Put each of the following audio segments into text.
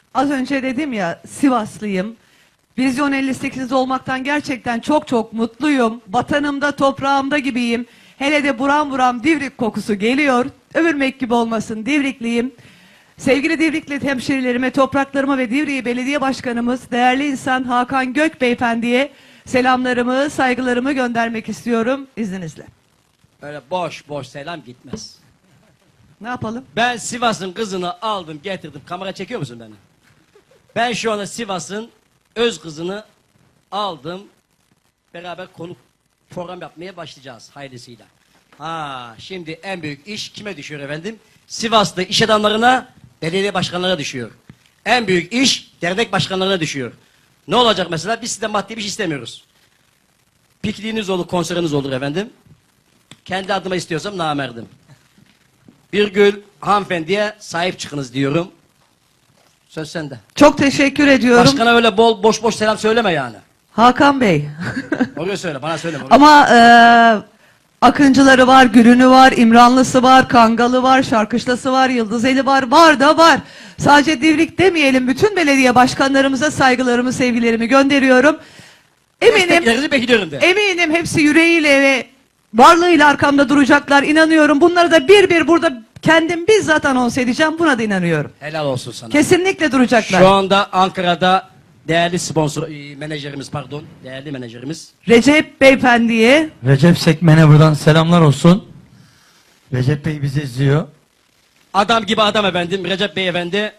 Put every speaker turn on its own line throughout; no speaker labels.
Az önce dedim ya, Sivaslıyım. Vizyon 58'de olmaktan gerçekten çok çok mutluyum. Vatanımda, toprağımda gibiyim. Hele de buram buram Divrik kokusu geliyor. Övülmek gibi olmasın, Divrikliyim. Sevgili Divrikli hemşerilerime, topraklarıma ve Divriği Belediye Başkanımız, değerli insan Hakan Gök Beyefendi'ye selamlarımı, saygılarımı göndermek istiyorum izninizle.
Öyle boş boş selam gitmez.
Ne yapalım?
Ben Sivas'ın kızını aldım getirdim. Kamera çekiyor musun beni? Ben şu anda Sivas'ın öz kızını aldım. Beraber konuk program yapmaya başlayacağız hayırlısıyla. Şimdi en büyük iş kime düşüyor efendim? Sivas'ta iş adamlarına, belediye başkanlarına düşüyor. En büyük iş dernek başkanlarına düşüyor. Ne olacak mesela? Biz sizden maddi bir şey istemiyoruz. Pikniğiniz olur, konseriniz olur efendim. Kendi adıma istiyorsam namerdim. Bir gün hanımefendiye sahip çıkınız diyorum. Söz sende.
Çok teşekkür ediyorum.
Başkana öyle bol boş boş selam söyleme yani.
Hakan Bey.
Oraya söyle, bana söyleme.
Ama Akıncıları var, Gülünü var, İmranlısı var, Kangalı var, Şarkışlası var, Yıldızeli var, var da var. Sadece Divrik demeyelim, bütün belediye başkanlarımıza saygılarımı, sevgilerimi gönderiyorum.
Desteklerinizi bekliyorum de.
Eminim hepsi yüreğiyle ve varlığıyla arkamda duracaklar, inanıyorum. Bunları da bir bir burada kendim bizzat anons edeceğim, buna da inanıyorum.
Helal olsun sana.
Kesinlikle duracaklar.
Şu anda Ankara'da değerli sponsor, menajerimiz pardon, değerli menajerimiz.
Recep Beyefendi'ye
Recep Sekmen'e buradan selamlar olsun. Recep Bey bizi izliyor.
Adam gibi adam efendim, Recep Bey efendi.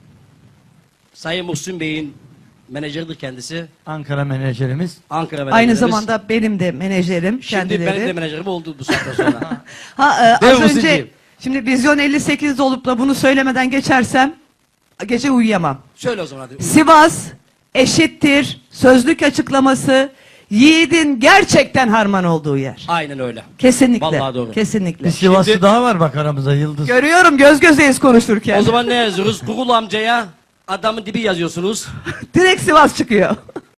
Sayın Muhsin Bey'in menajeridir kendisi.
Ankara menajerimiz.
Ankara menajerimiz.
aynı zamanda benim de menajerim
Şimdi
kendileri.
benim de menajerim oldu bu saatten sonra.
Az
Değil mi
önce
Muhsinciğim?
şimdi Vizyon 58'de olup da bunu söylemeden geçersem gece uyuyamam.
Söyle o zaman hadi.
Sivas eşittir sözlük açıklaması yiğidin gerçekten harman olduğu yer.
Aynen öyle.
Kesinlikle.
Vallahi doğru.
Kesinlikle.
Bir Sivaslı
Şimdi-
daha var bak aramızda Yıldız.
Görüyorum, göz gözeyiz konuşurken.
O zaman ne yazıyoruz? Google amcaya adamın dibi yazıyorsunuz.
Direkt Sivas çıkıyor.